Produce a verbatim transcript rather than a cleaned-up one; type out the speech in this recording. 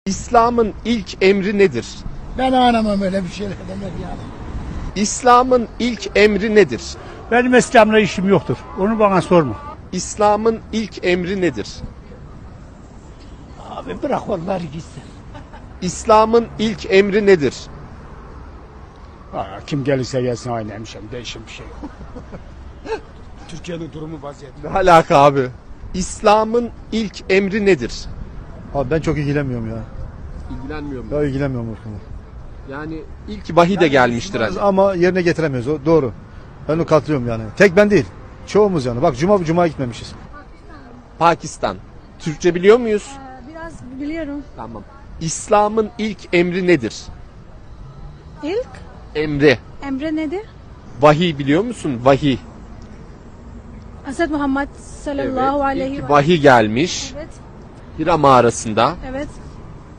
İslam'ın ilk emri nedir? Ben anlamam öyle bir şeyler demek yani. İslam'ın ilk emri nedir? Benim İslam'la işim yoktur. Onu bana sorma. İslam'ın ilk emri nedir? Abi bırak onları gitsin. İslam'ın ilk emri nedir? Aa, kim gelirse gelsin aynı hemşem. Değişim bir şey yok. Türkiye'nin durumu vaziyeti. Ne alaka abi? İslam'ın ilk emri nedir? Abi ben çok ilgilenmiyorum ya. İlgilenmiyor mu? Ya ilgilenmiyorum o konuda. Yani ilk vahiy de gelmiştir hani. Ama yerine getiremiyoruz o doğru. Ben onu katılıyorum yani. Tek ben değil. Çoğumuz yani. Bak cuma cuma gitmemişiz. Pakistan. Türkçe biliyor muyuz? Biraz biliyorum. Tamam. İslam'ın ilk emri nedir? İlk Emri. emre nedir? Vahiy biliyor musun? Vahiy. Hazreti Muhammed sallallahu aleyhi İlk ve vahiy gelmiş. Evet, Hira mağarasında. evet.